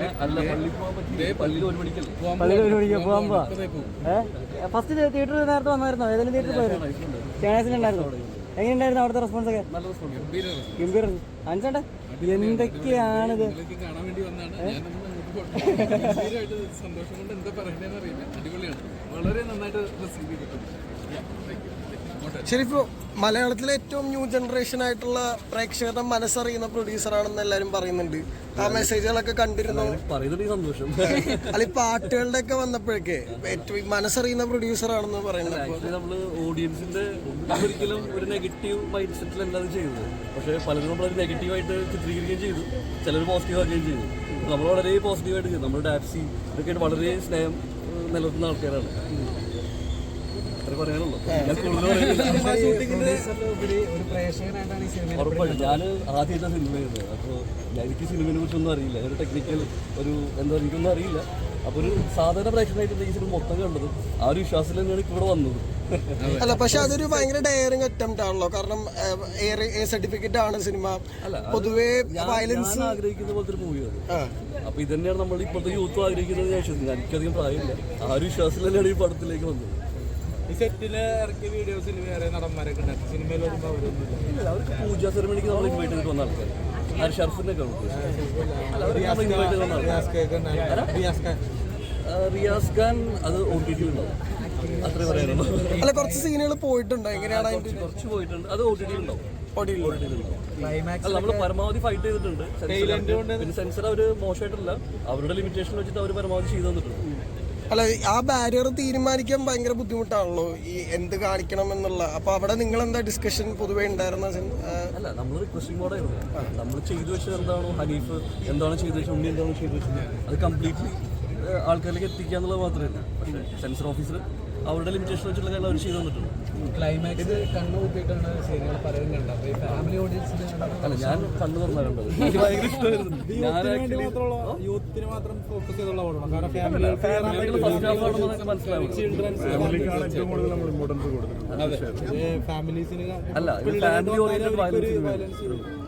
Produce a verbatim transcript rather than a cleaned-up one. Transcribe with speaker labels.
Speaker 1: പള്ളിയിൽ ഒരു മണിക്ക് പോകാൻ പോവാ. ഏഹ് ഫസ്റ്റ് തിയേറ്ററിൽ നേരത്തെ വന്നായിരുന്നോ? ഏതെങ്കിലും തിയേറ്ററിൽ പോയിരുന്നു? ചാനസിലുണ്ടായിരുന്നോ? എങ്ങനെയുണ്ടായിരുന്നു അവിടുത്തെ റെസ്പോൺസ് ഒക്കെ? ഗംഭീരം. അഞ്ചേട്ടാ എന്തൊക്കെയാണിത്?
Speaker 2: സന്തോഷം കൊണ്ട് എന്താ പറയണ്ടെന്ന് അറിയില്ല. അടിപൊളിയാണ്, വളരെ നന്നായിട്ട് റിസീവ് ചെയ്തിട്ടുണ്ട്.
Speaker 3: ശരിക്കും മലയാളത്തിലെ ഏറ്റവും ന്യൂ ജനറേഷൻ ആയിട്ടുള്ള പ്രേക്ഷകരുടെ മനസ്സറിയുന്ന പ്രൊഡ്യൂസറാണെന്ന് എല്ലാവരും പറയുന്നുണ്ട്. ആ മെസ്സേജുകളൊക്കെ കണ്ടിരുന്നു.
Speaker 1: സന്തോഷം.
Speaker 3: അല്ല ഈ പാട്ടുകളുടെ ഒക്കെ വന്നപ്പോഴേക്ക് ഏറ്റവും മനസ്സറിയുന്ന പ്രൊഡ്യൂസറാണെന്ന് പറയുന്നത്.
Speaker 1: നമ്മള് ഓഡിയൻസിന്റെ ഒരിക്കലും ഒരു നെഗറ്റീവ് മൈൻഡ് സെറ്റിലല്ലാതെ ചെയ്യുന്നത്. പക്ഷേ പലരും നമ്മളൊരു നെഗറ്റീവായിട്ട് ചിത്രീകരിക്കുകയും ചെയ്തു, ചിലർ പോസിറ്റീവ് ആക്കുകയും ചെയ്തു. നമ്മൾ വളരെ പോസിറ്റീവായിട്ട് ചെയ്തു. നമ്മുടെ ഡാപ്സി ഇതൊക്കെയായിട്ട് വളരെ സ്നേഹം നിലനിർത്തുന്ന ആൾക്കാരാണ്. പറയാനുള്ളൂ. ഉറപ്പായിട്ടും ഞാൻ ആദ്യമായിട്ടാണ് സിനിമ ചെയ്യുന്നത്. അപ്പോൾ എനിക്ക് സിനിമയെ കുറിച്ചൊന്നും അറിയില്ല. ഒരു ടെക്നിക്കൽ ഒരു എന്താ എനിക്കൊന്നും അറിയില്ല. അപ്പോൾ ഒരു സാധാരണ പ്രേക്ഷകനായിട്ട് ഈ സിനിമ മൊത്തം കണ്ടത് ആ ഒരു വിശ്വാസത്തിൽ തന്നെയാണ് ഇവിടെ വന്നത്.
Speaker 3: അല്ല പക്ഷെ അതൊരു ഭയങ്കര ഡയറിങ് അറ്റംപ്റ്റ് ആണല്ലോ. കാരണം എ സർട്ടിഫിക്കറ്റ് ആണ് സിനിമ. പൊതുവേ വയലൻസ്
Speaker 1: ആഗ്രഹിക്കുന്ന പോലത്തെ ഒരു മൂവിയാണ്. അപ്പൊ ഇത് തന്നെയാണ് നമ്മൾ ഇപ്പോഴത്തെ യൂത്തും ആഗ്രഹിക്കുന്നത്. ഞാൻ വിശ്വസിക്കുന്നു. എനിക്കധികം പ്രായമില്ല. ആ ഒരു വിശ്വാസത്തിൽ തന്നെയാണ് ഈ പടത്തിലേക്ക് വന്നത്.
Speaker 2: ഈ സെറ്റില് ഇറക്കിയ വീഡിയോസിൽ വേറെ നടന്മാരൊക്കെ ഉണ്ടാക്കി സിനിമയിൽ വരുമ്പോൾ അവരൊന്നുമില്ല.
Speaker 1: അവർക്ക് പൂജാ സെറമണിക്ക് നമ്മൾ ഇൻവൈറ്റ് ചെയ്തിട്ട് വന്ന ആൾക്കാർ. ആ ഷർഫിനൊക്കെ റിയാസ് ഖാൻ അത് ഒ ടി ടി ഉണ്ടാവും. അത്രേ പറയാനുള്ളൂ.
Speaker 3: അല്ല കുറച്ച് സീനുകൾ പോയിട്ടുണ്ടോ? എങ്ങനെയാണ്
Speaker 1: കുറച്ച് പോയിട്ടുണ്ട്. അത് ഒ ടി ടി ഉണ്ടാവും. അല്ല നമ്മൾ പരമാവധി ഫൈറ്റ് ചെയ്തിട്ടുണ്ട്. പിന്നെ സെൻസർ അവർ മോശമായിട്ടല്ല, അവരുടെ ലിമിറ്റേഷൻ വെച്ചിട്ട് അവർ പരമാവധി ചെയ്തു തന്നിട്ടുണ്ട്.
Speaker 3: അല്ല ആ ബാരിയർ തീരുമാനിക്കാൻ ഭയങ്കര ബുദ്ധിമുട്ടാണല്ലോ ഈ എന്ത് കാണിക്കണം എന്നുള്ള. അപ്പൊ അവിടെ നിങ്ങൾ എന്താ ഡിസ്കഷൻ പൊതുവേ ഉണ്ടായിരുന്ന?
Speaker 1: അല്ല നമ്മൾ റിക്വസ്റ്റിംഗ് മോഡായിരുന്നു. നമ്മൾ ചെയ്തു വെച്ചത് എന്താണോ, ഹനീഫ് എന്താണോ ചെയ്തു വെച്ചത്, ഉണ്ണി എന്താണോ ചെയ്തു വെച്ചത്, അത് കംപ്ലീറ്റ്ലി ആൾക്കാരിലേക്ക് എത്തിക്കുക എന്നുള്ളത് മാത്രമല്ല. പക്ഷേ സെൻസർ ഓഫീസർ അവരുടെ ലിമിറ്റേഷൻ വെച്ചിട്ടുള്ള കാര്യം അവർ ചെയ്തു തന്നിട്ടുണ്ട്.
Speaker 2: ക്ലൈമാക്സ് കണ്ണു കൂട്ടിയിട്ടാണ് സീനുകൾ പറയുന്നുണ്ട്. അപ്പോൾ ഈ ഫാമിലി ഓഡിയൻസിന്
Speaker 1: അല്ല ഞാൻ കണ്ണു തുറന്നാ കണ്ടത്. എനിക്ക് ഭയങ്കര ഇഷ്ടമായിരുന്നു.
Speaker 2: യൂത്തിന് മാത്രം ഫോക്കസ് ചെയ്തുള്ള ഓടണം. കാരണം
Speaker 1: ഫാമിലീസിന് അല്ല ഫാമിലി ഓറിയന്റഡ് വയലൻസ്